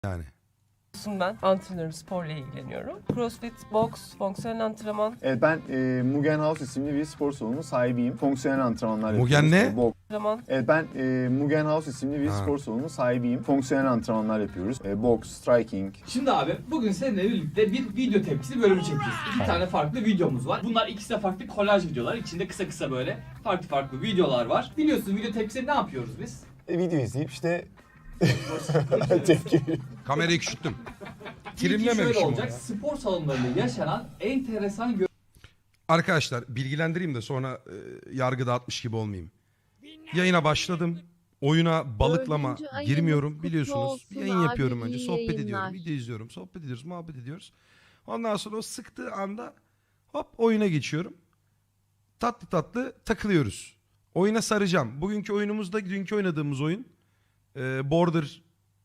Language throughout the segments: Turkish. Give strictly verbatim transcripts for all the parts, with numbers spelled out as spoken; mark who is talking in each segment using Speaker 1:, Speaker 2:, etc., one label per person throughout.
Speaker 1: yani.
Speaker 2: Ben antrenörüm, sporla ilgileniyorum. Crossfit, boks, fonksiyonel antrenman.
Speaker 3: Evet, ben e, Mugen House isimli bir spor salonunun sahibiyim. Fonksiyonel antrenmanlar
Speaker 1: Mugen
Speaker 3: yapıyoruz.
Speaker 1: ne?
Speaker 3: Boks.
Speaker 2: Antrenman.
Speaker 3: Evet, ben e, Mugen House isimli bir
Speaker 1: Ha.
Speaker 3: spor salonunun sahibiyim. Fonksiyonel antrenmanlar yapıyoruz. E, boks, striking.
Speaker 4: Şimdi abi bugün seninle birlikte bir video tepkisi bölümü çekeceğiz. İki tane farklı videomuz var. Bunlar ikisi de farklı kolaj videolar. İçinde kısa kısa böyle farklı farklı videolar var. Biliyorsun video tepkisi ne yapıyoruz biz?
Speaker 3: E, video izleyip işte tepki.
Speaker 1: Kamerayı küçülttüm.
Speaker 4: İlki şöyle
Speaker 1: Trimlememişim onu
Speaker 4: olacak.
Speaker 1: ya.
Speaker 4: Spor salonlarında yaşanan enteresan
Speaker 1: Arkadaşlar bilgilendireyim de sonra e, yargı dağıtmış gibi olmayayım. Yayına başladım. Oyuna balıklama
Speaker 5: Dördüncü ayınız
Speaker 1: girmiyorum
Speaker 5: kutlu
Speaker 1: biliyorsunuz.
Speaker 5: olsun
Speaker 1: Yayın
Speaker 5: abi,
Speaker 1: yapıyorum önce.
Speaker 5: iyi
Speaker 1: Sohbet
Speaker 5: yayınlar.
Speaker 1: ediyorum. Video izliyorum. Sohbet ediyoruz. Muhabbet ediyoruz. Ondan sonra o sıktığı anda hop oyuna geçiyorum. Tatlı tatlı takılıyoruz. Oyuna saracağım. Bugünkü oyunumuzda dünkü oynadığımız oyun e, Border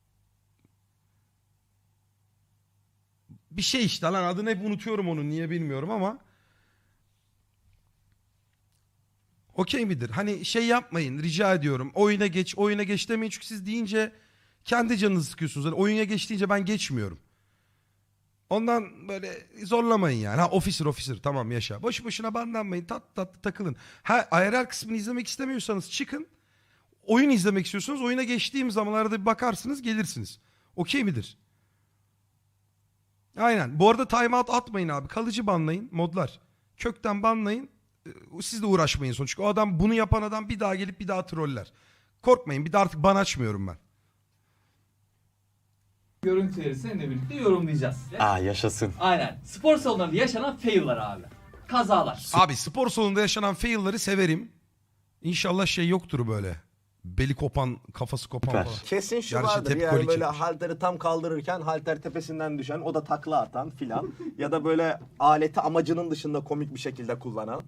Speaker 1: bir şey işte lan adını hep unutuyorum onun niye bilmiyorum ama okey midir? Hani şey yapmayın rica ediyorum. Oyuna geç, oyuna geç demeyin çünkü siz deyince kendi canınızı sıkıyorsunuz. Hani oyuna geç deyince ben geçmiyorum. Ondan böyle zorlamayın yani. Ha officer officer tamam yaşa. Boş boşuna bandanmayın. Tat tatlı takılın. Ha I R L kısmını izlemek istemiyorsanız çıkın. Oyun izlemek istiyorsanız oyuna geçtiğim zamanlarda bir bakarsınız gelirsiniz. Okey midir? Aynen. Bu arada timeout atmayın abi. Kalıcı banlayın modlar. Kökten banlayın. Ee, Siz de uğraşmayın sonuç. Çünkü o adam bunu yapan adam bir daha gelip bir daha troller. Korkmayın bir de artık ban açmıyorum ben.
Speaker 4: görüntüleri seninle birlikte yorumlayacağız.
Speaker 6: Aa yaşasın.
Speaker 4: Aynen. Spor salonlarında yaşanan fail'lar abi. Kazalar.
Speaker 1: Abi spor salonunda yaşanan fail'ları severim. İnşallah şey yoktur böyle. Beli kopan, kafası kopan
Speaker 6: Süper.
Speaker 1: falan.
Speaker 7: Kesin şu
Speaker 1: Gerçi
Speaker 7: vardır
Speaker 1: tepki
Speaker 7: yani
Speaker 1: kolik
Speaker 7: böyle
Speaker 1: çekmiş.
Speaker 7: halteri tam kaldırırken halter tepesinden düşen, o da takla atan filan ya da böyle aleti amacının dışında komik bir şekilde kullanan.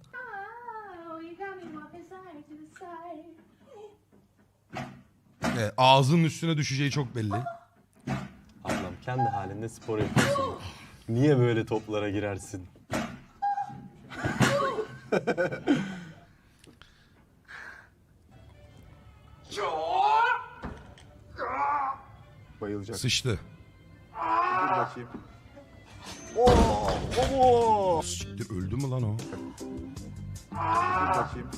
Speaker 1: Evet, ağzının üstüne düşeceği çok belli.
Speaker 6: Ablam kendi halinde spor yapıyorsun. Niye böyle toplara girersin?
Speaker 3: Bayılacak.
Speaker 1: Sıçtı.
Speaker 7: Dur bakayım. Oo, oo,
Speaker 1: Siktir öldü mü lan o?
Speaker 7: dur bakayım.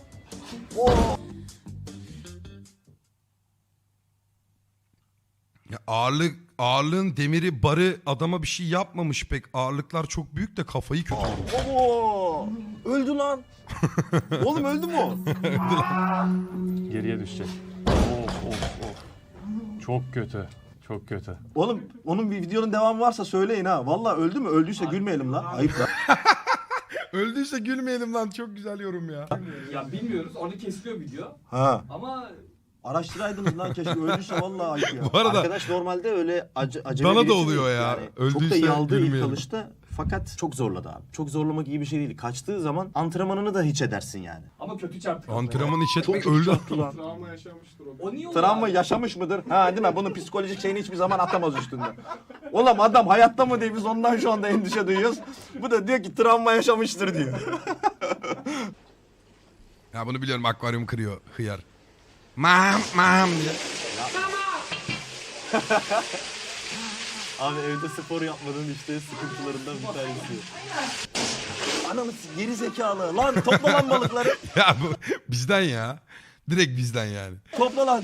Speaker 1: Ya ağırlık, ağırlığın demiri barı adama bir şey yapmamış pek. Ağırlıklar çok büyük de kafayı kötü vurmuş.
Speaker 7: Oo, öldü lan. Oğlum öldü mü o?
Speaker 6: Geriye düşecek. Of of of. Çok kötü. Çok kötü.
Speaker 7: Oğlum onun bir videonun devamı varsa söyleyin ha. Vallahi öldü mü? Öldüyse gülmeyelim lan. Ayıp lan.
Speaker 1: Öldüyse gülmeyelim lan çok güzel yorum ya.
Speaker 4: Ya bilmiyoruz. Orada kesiliyor video.
Speaker 7: Ha.
Speaker 4: Ama
Speaker 7: Araştıraydınız lan keşke, öldüyse vallahi ayıp ya.
Speaker 1: Bu arada
Speaker 7: Arkadaş normalde öyle acı, acele
Speaker 1: Bana da
Speaker 7: birisi
Speaker 1: oluyor
Speaker 7: değil.
Speaker 1: ya.
Speaker 7: Yani çok
Speaker 1: Öldüyse
Speaker 7: da iyi aldı ilk
Speaker 1: gülmeyelim.
Speaker 7: kalışta fakat çok zorladı abi. Çok zorlamak iyi bir şey değil. Kaçtığı zaman antrenmanını da hiç edersin yani.
Speaker 4: ama kötü çarptı.
Speaker 1: antrenman iç etmek
Speaker 7: Çok
Speaker 1: öldü.
Speaker 7: çarptı lan.
Speaker 4: O niye oluyor
Speaker 7: Travma
Speaker 4: abi?
Speaker 7: yaşamış mıdır? Ha değil mi? Bunun psikolojik şeyini hiçbir zaman atamaz üstünden. Oğlum adam hayatta mı diye biz ondan şu anda endişe duyuyoruz. Bu da diyor ki travma yaşamıştır diyor.
Speaker 1: Ya bunu biliyorum akvaryum kırıyor hıyar. Mam mam diye.
Speaker 6: Abi evde spor yapmadığın işte sıkıntılarından bir tanesi.
Speaker 7: Ananı geri zekalı. Lan topla lan balıkları.
Speaker 1: Ya bu bizden ya. Direkt bizden yani.
Speaker 7: Topla lan.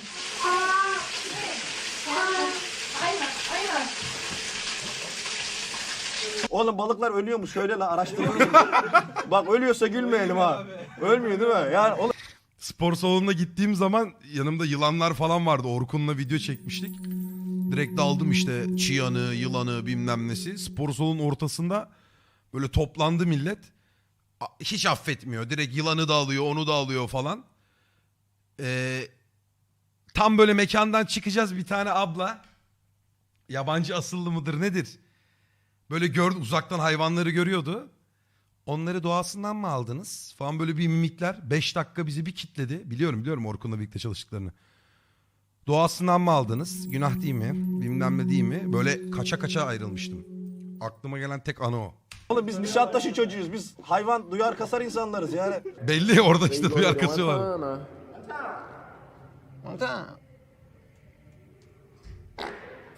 Speaker 7: Oğlum balıklar ölüyor mu? Söyle lan, araştıralım. Bak ölüyorsa gülmeyelim ha. Ölmüyor değil mi? Yani oğlum
Speaker 1: Spor salonuna gittiğim zaman yanımda yılanlar falan vardı. Orkun'la video çekmiştik. Direkt daldım işte çıyanı, yılanı bilmem nesi. Spor salonun ortasında böyle toplandı millet. A- Hiç affetmiyor. Direkt yılanı da alıyor, onu da alıyor falan. Ee, tam böyle mekandan çıkacağız bir tane abla. Yabancı asıllı mıdır nedir? Böyle gördü uzaktan hayvanları görüyordu. Onları doğasından mı aldınız? Falan böyle bir mimikler. Beş dakika bizi bir kitledi. Biliyorum biliyorum Orkun'la birlikte çalıştıklarını. Doğasından mı aldınız? Günah değil mi? Bilmem ne değil mi? Böyle kaça kaça ayrılmıştım. Aklıma gelen tek anı o.
Speaker 7: Oğlum biz Nişantaşı çocuğuyuz. Biz hayvan duyar kasar insanlarız yani.
Speaker 1: Belli orada işte duyar kasıyorlar.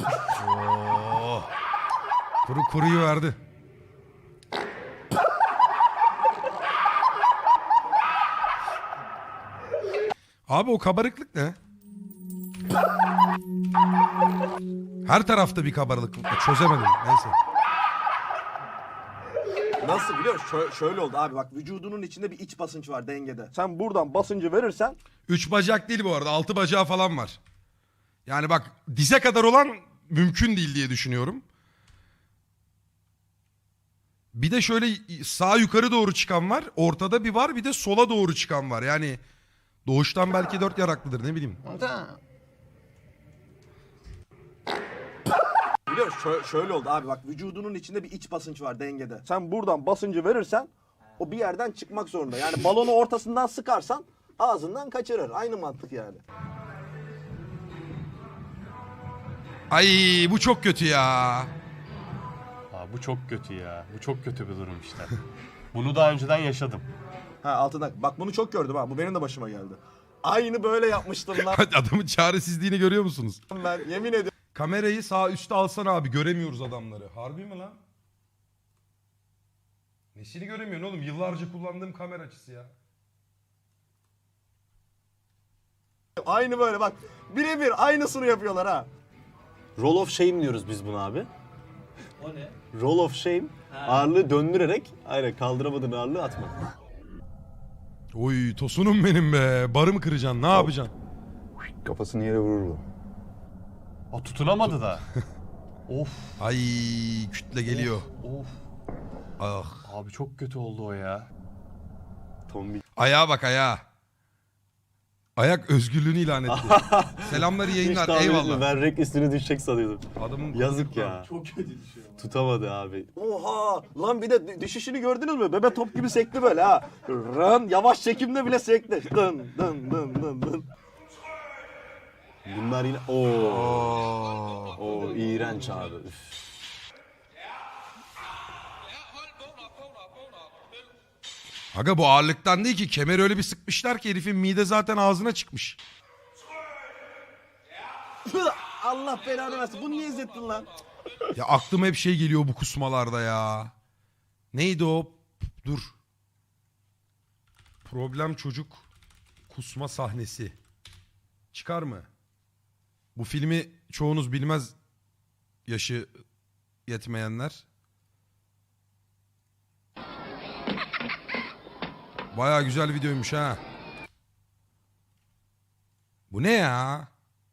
Speaker 1: Oo. Kuru kuruyu verdi. Abi o kabarıklık ne? Her tarafta bir kabarıklık. Çözemedim. Neyse.
Speaker 7: Nasıl biliyor musun? Şöyle, şöyle oldu abi bak vücudunun içinde bir iç basınç var dengede. Sen buradan basıncı verirsen
Speaker 1: Üç bacak değil bu arada. Altı bacağı falan var. Yani bak dize kadar olan mümkün değil diye düşünüyorum. Bir de şöyle sağ yukarı doğru çıkan var. Ortada bir var, bir de sola doğru çıkan var. Yani doğuştan belki dört yaraklıdır, ne bileyim.
Speaker 7: biliyor musun? Şöyle, şöyle oldu abi bak vücudunun içinde bir iç basınç var dengede. Sen buradan basıncı verirsen o bir yerden çıkmak zorunda. Yani balonu ortasından sıkarsan ağzından kaçırır. Aynı mantık yani.
Speaker 1: Ay bu çok kötü ya.
Speaker 6: Aa, bu çok kötü ya. Bu çok kötü bir durum işte. Bunu daha önceden yaşadım.
Speaker 7: Ha altından. Bak bunu çok gördüm ha. Bu benim de başıma geldi. Aynı böyle yapmıştım lan
Speaker 1: Adamın çaresizliğini görüyor musunuz?
Speaker 7: ben yemin ediyorum.
Speaker 1: Kamerayı sağ üstte alsana abi, göremiyoruz adamları. Harbi mi lan? Nesini göremiyorsun oğlum? Yıllarca kullandığım kamera açısı ya.
Speaker 7: Aynı böyle bak. Birebir aynısını yapıyorlar ha.
Speaker 6: Roll of shame diyoruz biz buna abi.
Speaker 4: O ne?
Speaker 6: Roll of shame.
Speaker 4: Ha.
Speaker 6: Ağırlığı döndürerek, aynen kaldıramadığın ağırlığı atma.
Speaker 1: Oy tosunum benim be. Barı mı kıracaksın? Ne yapacaksın?
Speaker 3: Kafasını yere vurur bu.
Speaker 6: Aa, tutunamadı da. Of.
Speaker 1: Ay kütle geliyor.
Speaker 6: Of.
Speaker 1: Ah.
Speaker 6: Abi çok kötü oldu o ya. Tombik.
Speaker 1: Ayağa bak ayağa. Ayak özgürlüğünü ilan etti. Selamlar, iyi yayınlar.
Speaker 6: Hiç tahmin
Speaker 1: Eyvallah.
Speaker 6: etmedim. Ben renk üstüne düşecek sanıyordum.
Speaker 1: Adamın
Speaker 6: Yazık ya.
Speaker 4: Çok kötü düşüyor.
Speaker 6: Tutamadı abi.
Speaker 7: Oha! Lan bir de düşüşünü gördünüz mü? Bebe top gibi sekti böyle ha. Rın yavaş çekimde bile sekti. Dın dın dın dın dın.
Speaker 6: Bunlar yine... Oo. Oo iğrenç abi. Üf.
Speaker 1: Aga bu ağırlıktan değil ki. Kemer öyle bir sıkmışlar ki herifin mide zaten ağzına çıkmış.
Speaker 7: Allah belanı versin. Bunu niye izlettin lan?
Speaker 1: Ya aklıma hep şey geliyor bu kusmalarda ya. Neydi o? Dur. Problem çocuk kusma sahnesi. Çıkar mı? Bu filmi çoğunuz bilmez, yaşı yetmeyenler. Baya güzel videoymuş ha. Bu ne ya?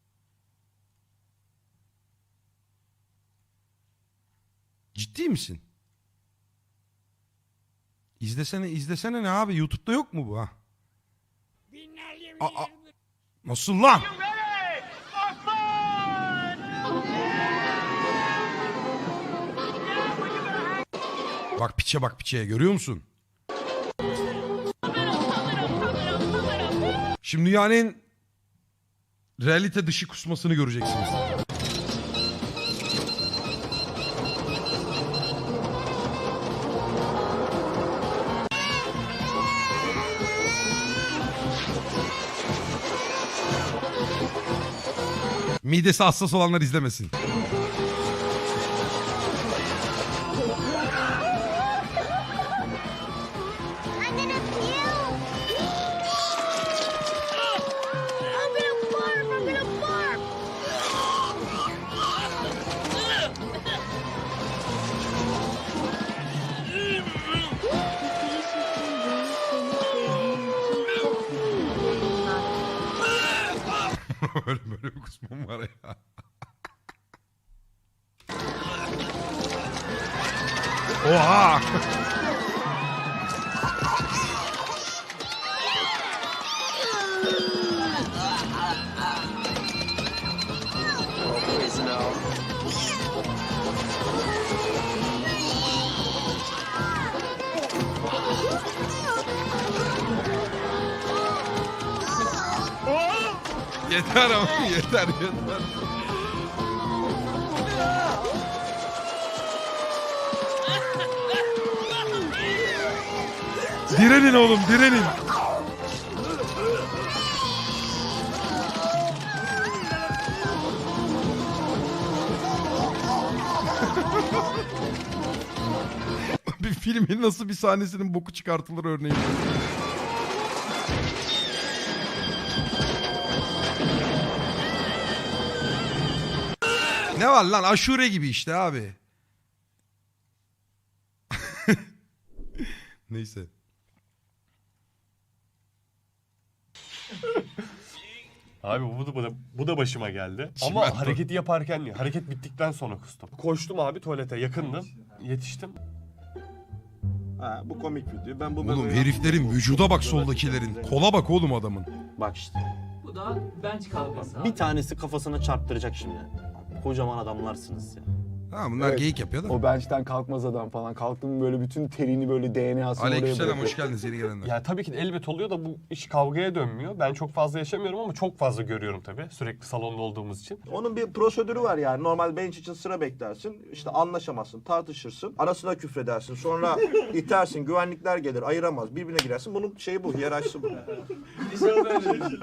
Speaker 1: Ciddi misin? İzlesene, izlesene ne abi? YouTube'da yok mu bu ha? Aa, nasıl lan? Bak piçe bak piçe, görüyor musun? Şimdi dünyanın en realite dışı kusmasını göreceksiniz. Midesi hassas olanlar izlemesin.
Speaker 5: I'm gonna puke! I'm gonna barf! I'm gonna barf!
Speaker 1: böyle böyle bir kusmam var ya. Oha! Yeter ama yeter yeter. Direnin oğlum, direnin. Bir filmin nasıl bir sahnesinin boku çıkartılır örneğin. Ne var lan, aşure gibi işte abi. Neyse.
Speaker 6: Abi bu da, bu da, bu da başıma geldi.
Speaker 1: Çimento.
Speaker 6: Ama hareketi yaparken değil. Hareket bittikten sonra kustum. Koştum abi tuvalete yakındım. Yetiştim.
Speaker 7: Ha, bu komik video. Ben bu
Speaker 1: Oğlum
Speaker 7: bebeği-
Speaker 1: heriflerin vücuda bak soldakilerin. Kola bak oğlum adamın.
Speaker 6: Bak işte.
Speaker 4: Bu da bench kavgası abi.
Speaker 6: Bir tanesi kafasına çarptıracak şimdi. Kocaman adamlarsınız ya.
Speaker 1: Ha bunlar
Speaker 3: Evet.
Speaker 1: geyik yapıyor da.
Speaker 3: O bench'ten kalkmaz adam falan. Kalktım böyle bütün terini böyle D N A'sını oraya
Speaker 1: Aleykümselam,
Speaker 3: bırakıyor.
Speaker 1: hoş geldiniz yeni gelenler.
Speaker 6: Ya tabii ki de elbet oluyor da bu iş kavgaya dönmüyor. Ben çok fazla yaşamıyorum ama çok fazla görüyorum tabii. Sürekli salonda olduğumuz için.
Speaker 7: Onun bir prosedürü var yani. Normal bench için sıra beklersin. İşte anlaşamazsın, tartışırsın. Arasına küfredersin. Sonra itersin, güvenlikler gelir, ayıramaz. Birbirine girersin. Bunun şeyi bu, hiyerarşisi bu.
Speaker 4: İnşallah böyle.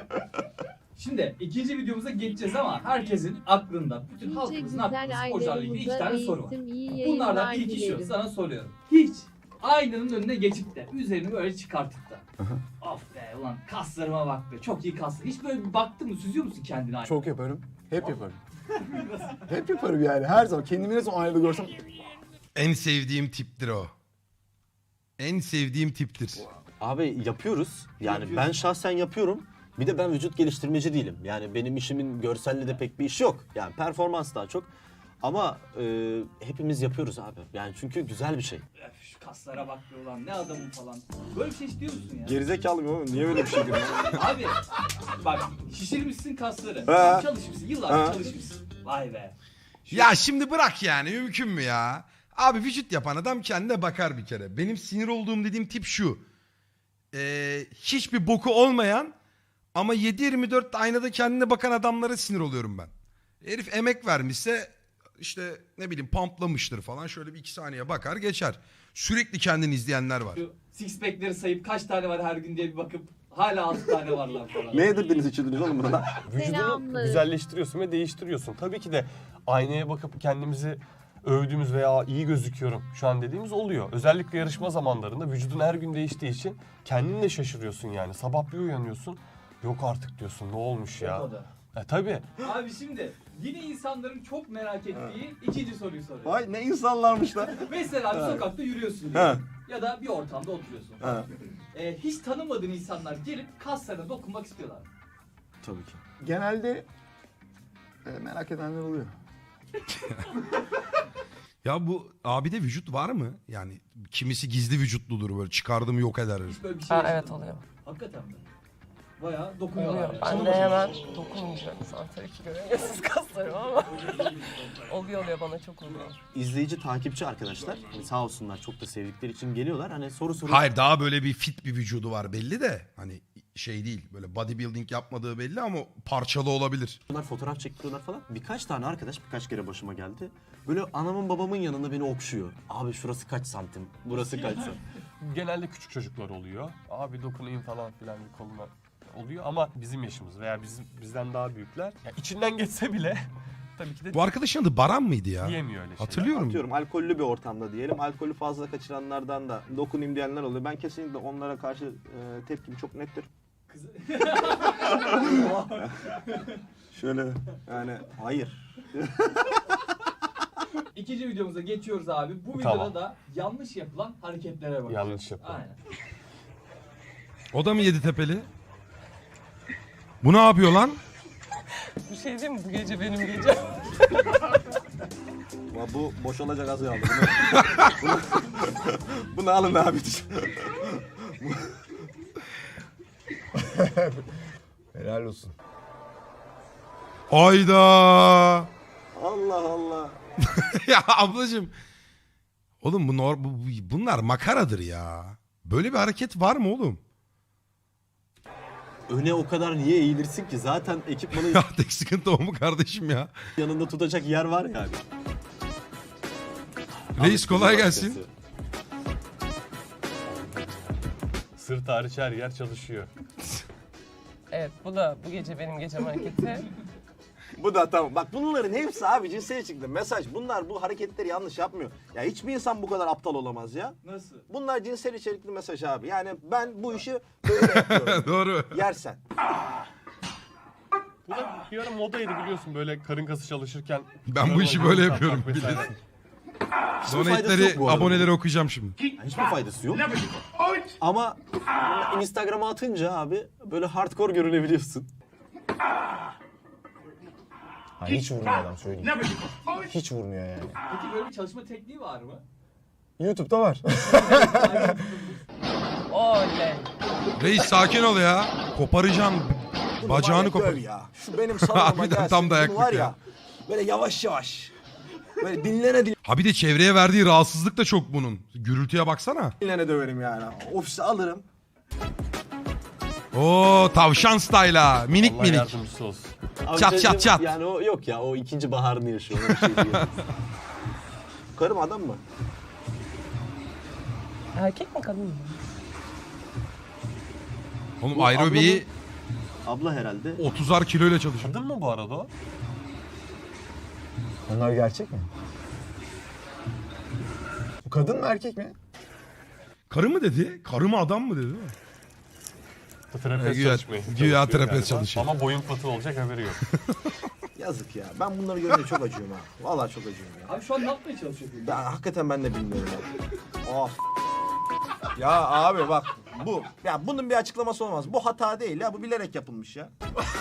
Speaker 4: Şimdi ikinci videomuza geçeceğiz ama herkesin aklında, bütün halkımızın aklında sporcularla ilgili iki tane soru var. Bunlardan ilki şu, sana soruyorum. Hiç aynanın önüne geçip de üzerini böyle çıkartıp da of be ulan kaslarıma bak be, çok iyi kaslar. Hiç böyle bir baktın mı, süzüyor musun kendini aynada?
Speaker 3: Çok yaparım. Hep yaparım. Hep yaparım yani. Her zaman. Kendimi ne zaman aynada görsem
Speaker 1: En sevdiğim tiptir o. En sevdiğim tiptir.
Speaker 6: Abi yapıyoruz. Yani
Speaker 4: Yapıyorsun.
Speaker 6: ben şahsen yapıyorum. Bir de ben vücut geliştirmeci değilim. Yani benim işimin görselle de pek bir iş yok. Yani performans daha çok. Ama e, hepimiz yapıyoruz abi. Yani çünkü güzel bir şey.
Speaker 4: Öf, şu kaslara bak be ulan, ne adamım falan. Böyle bir şey istiyor musun ya?
Speaker 7: Gerizekalı mı oğlum? Niye öyle bir şey diyorsun?
Speaker 4: Abi bak, şişirmişsin kasları.
Speaker 7: He.
Speaker 4: Çalışmışsın, yıllarca
Speaker 7: He.
Speaker 4: çalışmışsın. Vay be.
Speaker 1: Ya şimdi bırak yani, mümkün mü ya? Abi vücut yapan adam kendine bakar bir kere. Benim sinir olduğum dediğim tip şu. Ee, hiçbir boku olmayan ama yedi yirmi dört aynada kendine bakan adamlara sinir oluyorum ben. Herif emek vermişse işte ne bileyim pamplamıştır falan, şöyle bir iki saniye bakar geçer. Sürekli kendini izleyenler var.
Speaker 4: Şu six pack'leri sayıp kaç tane var her gün diye bir bakıp hala altı tane var lan falan.
Speaker 7: Ne yedirdiniz içirdiniz oğlum burada?
Speaker 6: Vücudunu
Speaker 5: Selamlar.
Speaker 6: güzelleştiriyorsun ve değiştiriyorsun. Tabii ki de aynaya bakıp kendimizi övdüğümüz veya iyi gözüküyorum şu an dediğimiz oluyor. Özellikle yarışma zamanlarında vücudun her gün değiştiği için kendin de şaşırıyorsun yani. Sabah bir uyanıyorsun, yok artık diyorsun, ne olmuş ya.
Speaker 4: O da.
Speaker 6: E tabii.
Speaker 4: Abi şimdi yine insanların çok merak ettiği ikinci soruyu soruyorum.
Speaker 7: Vay ne insanlarmış lan.
Speaker 4: Mesela bir sokakta yürüyorsun
Speaker 7: He.
Speaker 4: diyelim. Ya da bir ortamda oturuyorsun.
Speaker 7: Ha.
Speaker 4: Ee, hiç tanımadığın insanlar gelip kaslarına dokunmak istiyorlar.
Speaker 6: Tabii ki.
Speaker 3: genelde e, merak edenler oluyor.
Speaker 1: Ya bu abide vücut var mı? Yani kimisi gizli vücutludur, böyle çıkardım yok eder.
Speaker 4: Hiç böyle bir şey
Speaker 2: Ha,
Speaker 4: yaşadın
Speaker 2: evet
Speaker 4: mı?
Speaker 2: oluyor.
Speaker 4: Hakikaten mi? Bayağı dokunuyorlar.
Speaker 2: Oluyor.
Speaker 4: yani.
Speaker 2: Ben
Speaker 4: Sana
Speaker 2: de
Speaker 4: bakıyor.
Speaker 2: hemen dokunmayacağım. Sen tabii ki göremiyorsunuz kaslarımı ama oluyor oluyor, bana çok oluyor.
Speaker 6: İzleyici, takipçi arkadaşlar hani sağ olsunlar çok da sevdikleri için geliyorlar. Hani soru soruyor.
Speaker 1: Hayır, daha böyle bir fit bir vücudu var belli de, hani şey değil, böyle bodybuilding yapmadığı belli ama parçalı olabilir.
Speaker 6: Fotoğraf çektiriyorlar falan. Birkaç tane arkadaş birkaç kere başıma geldi. Böyle anamın babamın yanında beni okşuyor. Abi şurası kaç santim, burası kaç santim. Genelde küçük çocuklar oluyor. Abi dokunayım falan filan bir koluna oluyor ama bizim yaşımız veya bizim bizden daha büyükler. Ya içinden geçse bile tabii ki de
Speaker 1: Bu arkadaşın adı Baran mıydı ya?
Speaker 6: diyemiyor öyle şeyler.
Speaker 1: Hatırlıyorum.
Speaker 7: Atıyorum alkollü bir ortamda diyelim. Alkolü fazla kaçıranlardan da dokunayım diyenler oluyor. Ben kesinlikle onlara karşı e, tepkim çok nettir.
Speaker 4: Kız-
Speaker 7: Şöyle yani hayır.
Speaker 4: İkinci videomuza geçiyoruz abi. Bu
Speaker 6: Tamam.
Speaker 4: videoda da yanlış yapılan hareketlere bakıyoruz.
Speaker 6: Yanlış yapılan.
Speaker 4: Aynen.
Speaker 1: O da mı Yeditepe'li? Bu ne yapıyor lan?
Speaker 2: Bir şey diyeyim mi? Bu gece benim gecem.
Speaker 7: Ama bu boşalacak az kaldı. Bunu, bunu, bunu alın abi.
Speaker 3: Helal olsun.
Speaker 1: Ayda.
Speaker 7: Allah Allah.
Speaker 1: Ya ablacığım. Oğlum bu, nor- bu bu- bunlar makaradır ya. Böyle bir hareket var mı oğlum?
Speaker 6: Öne o kadar niye eğilirsin ki? Zaten ekipmanın
Speaker 1: Ya tek sıkıntı o mu kardeşim ya?
Speaker 6: yanında tutacak yer var yani.
Speaker 1: Reis kolay gelsin.
Speaker 6: Sırt hariç her yer çalışıyor.
Speaker 2: Evet, bu da bu gece benim gecem hareketi.
Speaker 7: Bu da tamam. Bak bunların hepsi abi cinsel içerikli mesaj. Bunlar bu hareketleri yanlış yapmıyor. Ya hiçbir insan bu kadar aptal olamaz ya.
Speaker 4: Nasıl?
Speaker 7: Bunlar cinsel içerikli mesaj abi. Yani ben bu işi böyle yapıyorum.
Speaker 1: Doğru.
Speaker 7: Yersen.
Speaker 6: Bu da bir ara modaydı biliyorsun böyle karın kası çalışırken.
Speaker 1: Ben bu işi böyle yapıyorum.
Speaker 6: Vesaire. Hiçbir faydası yok
Speaker 1: Donate'leri,
Speaker 6: bu arada.
Speaker 1: aboneleri okuyacağım şimdi.
Speaker 6: Yani hiçbir faydası yok. Ama Instagram'a atınca abi böyle hardcore görünebiliyorsun.
Speaker 3: Ha, hiç vurmuyor adam söyleyeyim. Hiç vurmuyor yani.
Speaker 4: Peki böyle bir çalışma tekniği var mı?
Speaker 3: YouTube'da var.
Speaker 2: Oley.
Speaker 1: Reis sakin ol ya. Koparacaksın.
Speaker 7: Bunu
Speaker 1: Bacağını
Speaker 7: var ya,
Speaker 1: kopar.
Speaker 7: döv ya. Şu benim salonuma
Speaker 1: Harbiden
Speaker 7: gelsin.
Speaker 1: tam
Speaker 7: Bunu
Speaker 1: dayaklık
Speaker 7: var
Speaker 1: ya.
Speaker 7: ya. Böyle yavaş yavaş. Böyle dinlene
Speaker 1: Ha bir de çevreye verdiği rahatsızlık da çok bunun. Gürültüye baksana.
Speaker 7: dinlene döverim yani. Ofise alırım.
Speaker 1: Oo tavşan style'a. Minik
Speaker 6: Allah
Speaker 1: minik.
Speaker 6: yardımcısı olsun.
Speaker 1: Çat, çat, çat.
Speaker 6: Yani o yok ya o ikinci baharını yaşıyor. Ona bir şey diyemem.
Speaker 7: Karım adam mı?
Speaker 2: Erkek mi kadın mı?
Speaker 1: Oğlum
Speaker 6: Bu
Speaker 1: aerobiyi
Speaker 6: Abla herhalde.
Speaker 1: otuzar kiloyla çalışıyor.
Speaker 6: Kadın mı bu arada o?
Speaker 3: Onlar gerçek mi? Bu kadın mı erkek mi?
Speaker 1: Karı mı dedi? Karı mı adam mı dedi? değil mi?
Speaker 6: Trapez
Speaker 1: Güya-
Speaker 6: çalışmaya
Speaker 1: güya
Speaker 6: çalışıyor
Speaker 1: trapez
Speaker 6: galiba.
Speaker 1: çalışıyor.
Speaker 6: Ama boyun patı olacak haberi yok.
Speaker 7: Yazık ya. Ben bunları görünce çok acıyorum ha. Vallahi çok acıyorum ya.
Speaker 4: Abi şu an ne yapmaya çalışıyorsun?
Speaker 7: Ben hakikaten ben de bilmiyorum ya. Of. Ya abi bak bu. Ya bunun bir açıklaması olmaz. Bu hata değil ya. Bu bilerek yapılmış ya.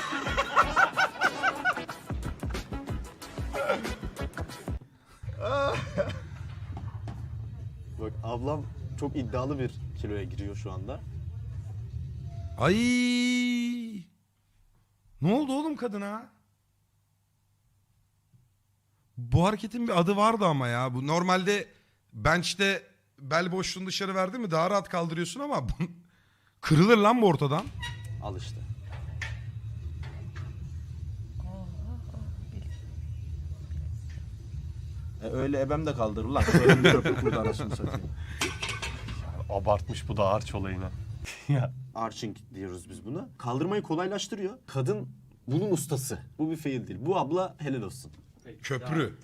Speaker 6: Bak ablam çok iddialı bir kiloya giriyor şu anda.
Speaker 1: Ay. Ne oldu oğlum kadına? Bu hareketin bir adı vardı ama ya. Bu normalde bench'te bel boşluğunu dışarı verdi mi daha rahat kaldırıyorsun ama bu... kırılır lan bu ortadan.
Speaker 6: Al işte.
Speaker 7: E, öyle ebem de kaldırır lan. Böyle bir köprü kurdu anasını satayım.
Speaker 6: Abartmış bu da arç olayını. ya.
Speaker 7: Arching diyoruz biz buna.
Speaker 6: Kaldırmayı kolaylaştırıyor. Kadın bunun ustası. Bu bir fail değil. Bu abla helal olsun.
Speaker 1: Köprü.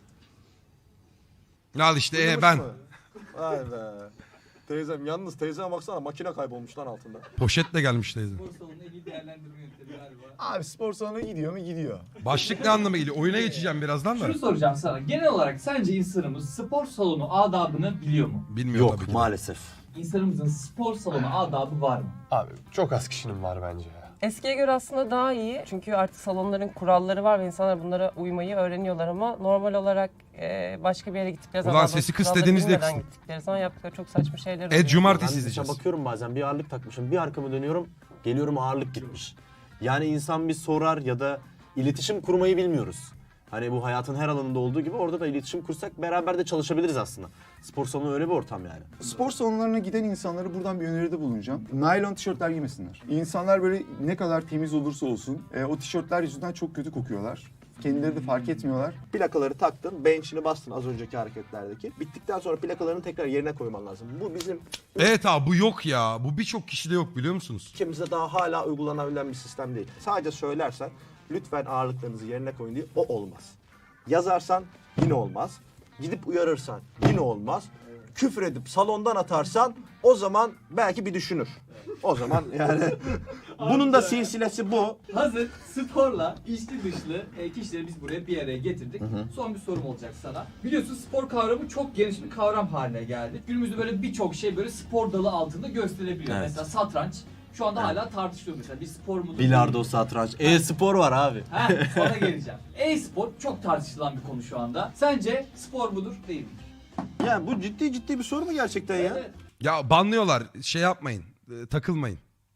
Speaker 1: Al işte e, ben.
Speaker 7: Vay be. Teyzem yalnız teyzeme baksana makine kaybolmuş lan altında.
Speaker 1: Poşetle gelmiş teyze.
Speaker 4: Spor salonuna ilgili değerlendirme yöntemi galiba.
Speaker 3: Abi spor salonuna gidiyor mu? Gidiyor.
Speaker 1: Başlık ne anlama geliyor? Oyuna geçeceğim birazdan da.
Speaker 4: Şunu soracağım sana. Genel olarak sence insanımız spor salonu adabını biliyor mu?
Speaker 1: Bilmiyorum tabii
Speaker 6: Yok
Speaker 1: ki.
Speaker 6: maalesef.
Speaker 4: İnsanımızın spor salonu adabı var mı?
Speaker 6: Abi çok az kişinin var bence ya.
Speaker 2: Eskiye göre aslında daha iyi. Çünkü artık salonların kuralları var ve insanlar bunlara uymayı öğreniyorlar ama normal olarak e, başka bir yere gittikleri
Speaker 1: Ulan
Speaker 2: zaman...
Speaker 1: sesi
Speaker 2: bu
Speaker 1: kıs
Speaker 2: kuralları
Speaker 1: dediğinizde
Speaker 2: bilmeden
Speaker 1: kısın.
Speaker 2: gittikleri zaman yaptıkları çok saçma şeyler
Speaker 1: Ed
Speaker 2: oluyor.
Speaker 1: Cumartesi
Speaker 6: Ben mesela
Speaker 1: izleyeceğiz.
Speaker 6: bakıyorum bazen bir ağırlık takmışım. Bir arkamı dönüyorum. Geliyorum ağırlık gitmiş. Yani insan bir sorar ya da iletişim kurmayı bilmiyoruz. Hani bu hayatın her alanında olduğu gibi orada da iletişim kursak beraber de çalışabiliriz aslında. Spor salonu öyle bir ortam yani.
Speaker 3: Spor salonlarına giden insanlara buradan bir öneride bulunacağım. Naylon tişörtler giymesinler. İnsanlar böyle ne kadar temiz olursa olsun e, o tişörtler yüzünden çok kötü kokuyorlar. Kendileri de fark etmiyorlar.
Speaker 7: Plakaları taktın, bench'ini bastın az önceki hareketlerdeki. Bittikten sonra plakalarını tekrar yerine koyman lazım. Bu bizim
Speaker 1: Evet abi bu yok ya. Bu birçok kişide yok biliyor musunuz?
Speaker 7: ülkemizde daha hala uygulanabilen bir sistem değil. Sadece söylersen lütfen ağırlıklarınızı yerine koyun diye o olmaz. Yazarsan yine olmaz. Gidip uyarırsan yine olmaz. Küfür edip salondan atarsan o zaman belki bir düşünür. O zaman yani bunun da silsilesi bu.
Speaker 4: Hazır sporla içli dışlı e, kişileri biz buraya bir araya getirdik. Son bir sorum olacak sana. Biliyorsun spor kavramı çok geniş bir kavram haline geldi. Günümüzde böyle birçok şey böyle spor dalı altında gösterilebiliyor.
Speaker 6: Evet.
Speaker 4: Mesela satranç şu anda hala tartışılıyor mesela bir spor mudur?
Speaker 6: Bilardo,
Speaker 4: değil mi?
Speaker 6: satranç, e-spor var abi.
Speaker 4: Ha, sana geleceğim. E-spor çok tartışılan bir konu şu anda. Sence spor mudur değil midir?
Speaker 7: Yani bu ciddi ciddi bir soru mu gerçekten ya?
Speaker 4: Evet.
Speaker 1: Ya banlıyorlar. Şey yapmayın. e, takılmayın.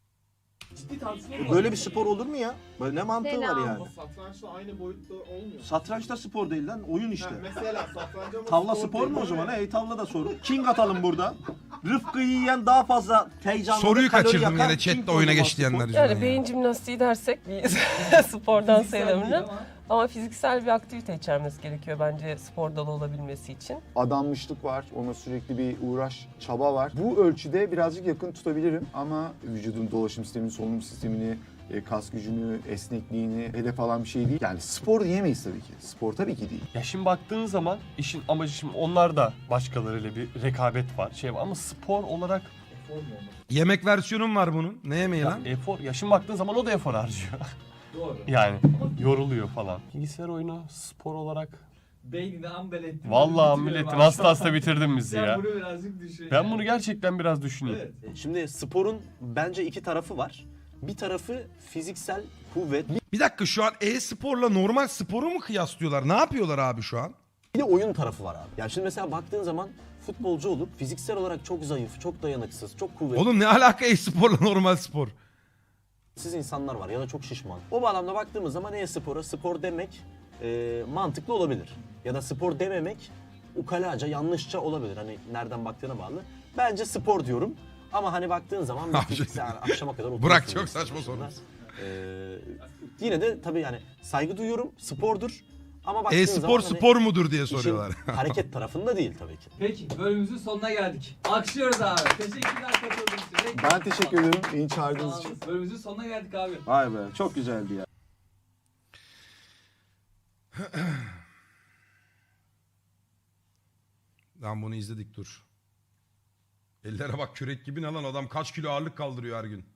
Speaker 4: Ciddi tartışma var.
Speaker 7: Böyle bir spor olur mu ya? Böyle ne mantığı
Speaker 5: Selam.
Speaker 7: var yani?
Speaker 8: Satrançla aynı boyutta olmuyor.
Speaker 7: Satranç da spor değil lan, oyun işte.
Speaker 8: Ha, mesela satranç ama
Speaker 7: Tavla spor mu o zaman? Ey tavla da sorun. King atalım burada. Rıfkı'yı yiyen daha fazla heyecanlı.
Speaker 1: Soruyu
Speaker 7: ve kalori
Speaker 1: kaçırdım
Speaker 7: yakan
Speaker 1: yine
Speaker 7: King
Speaker 1: chatte oyuna
Speaker 7: oynaması
Speaker 1: geç diyenler
Speaker 7: spor.
Speaker 1: yüzünden.
Speaker 2: Yani
Speaker 1: ya.
Speaker 2: beyin jimnastiği dersek bir spordan
Speaker 4: Fiziksel değil
Speaker 2: sayılabilir.
Speaker 4: ama.
Speaker 2: Ama fiziksel bir aktivite içermesi gerekiyor bence spor dalı olabilmesi için.
Speaker 3: Adanmışlık var, ona sürekli bir uğraş, çaba var. Bu ölçüde birazcık yakın tutabilirim ama vücudun dolaşım sistemini, solunum sistemini, e, kas gücünü, esnekliğini hedef alan bir şey değil. Yani spor diyemeyiz tabii ki. Spor tabii ki değil.
Speaker 6: Ya şimdi baktığın zaman işin amacı şimdi onlar da başkalarıyla bir rekabet var. Şey var ama spor olarak
Speaker 1: Yemek versiyonum var bunun. Ne yemeği
Speaker 6: ya
Speaker 1: lan?
Speaker 6: efor. Ya şimdi baktığın zaman o da efor harcıyor.
Speaker 4: Doğru.
Speaker 6: Yani yoruluyor falan. Bilgisayar oyunu spor olarak
Speaker 4: Beynini ambel ettin.
Speaker 6: vallahi
Speaker 4: Bitiriyorum
Speaker 6: milletin
Speaker 4: abi.
Speaker 6: hasta hasta bitirdin bizi
Speaker 4: Sen
Speaker 6: ya.
Speaker 4: bunu birazcık düşün.
Speaker 6: Ben
Speaker 4: yani.
Speaker 6: bunu gerçekten biraz düşüneyim.
Speaker 4: Evet.
Speaker 7: Şimdi sporun bence iki tarafı var. Bir tarafı fiziksel kuvvet,
Speaker 1: Bir dakika şu an e-sporla normal sporu mu kıyaslıyorlar? Ne yapıyorlar abi şu an?
Speaker 7: bir de oyun tarafı var abi. Yani şimdi mesela baktığın zaman futbolcu olup fiziksel olarak çok zayıf, çok dayanıksız, çok kuvvetsiz
Speaker 1: Oğlum ne alaka e-sporla normal spor?
Speaker 7: insanlar var ya da çok şişman. O bağlamda baktığımız zaman e-spora spor demek e, mantıklı olabilir. Ya da spor dememek ukalaca, yanlışça olabilir. Hani nereden baktığına bağlı. Bence spor diyorum. Ama hani baktığın zaman bir
Speaker 1: Abi,
Speaker 7: fiziksel yani akşama kadar oturuyorsun.
Speaker 1: Burak çok
Speaker 7: bilgisayar
Speaker 1: saçma
Speaker 7: başında.
Speaker 1: sormuş.
Speaker 7: Ee, yine de tabii yani saygı duyuyorum. Spordur. Ama baktığın
Speaker 1: E-spor
Speaker 7: zaman hani
Speaker 1: spor mudur diye
Speaker 7: işin
Speaker 1: soruyorlar.
Speaker 7: hareket tarafında değil tabii ki.
Speaker 4: Peki bölümümüzün sonuna geldik. Alkışlıyoruz abi. Teşekkürler katıldığınız için. Renk-
Speaker 3: Ben teşekkür ederim beni
Speaker 4: Sağ
Speaker 3: çağırdığınız
Speaker 4: olun.
Speaker 3: için.
Speaker 4: Bölümümüzün sonuna geldik abi.
Speaker 8: Vay be çok güzeldi ya.
Speaker 1: Lan bunu izledik dur. Ellere bak kürek gibi ne lan adam kaç kilo ağırlık kaldırıyor her gün.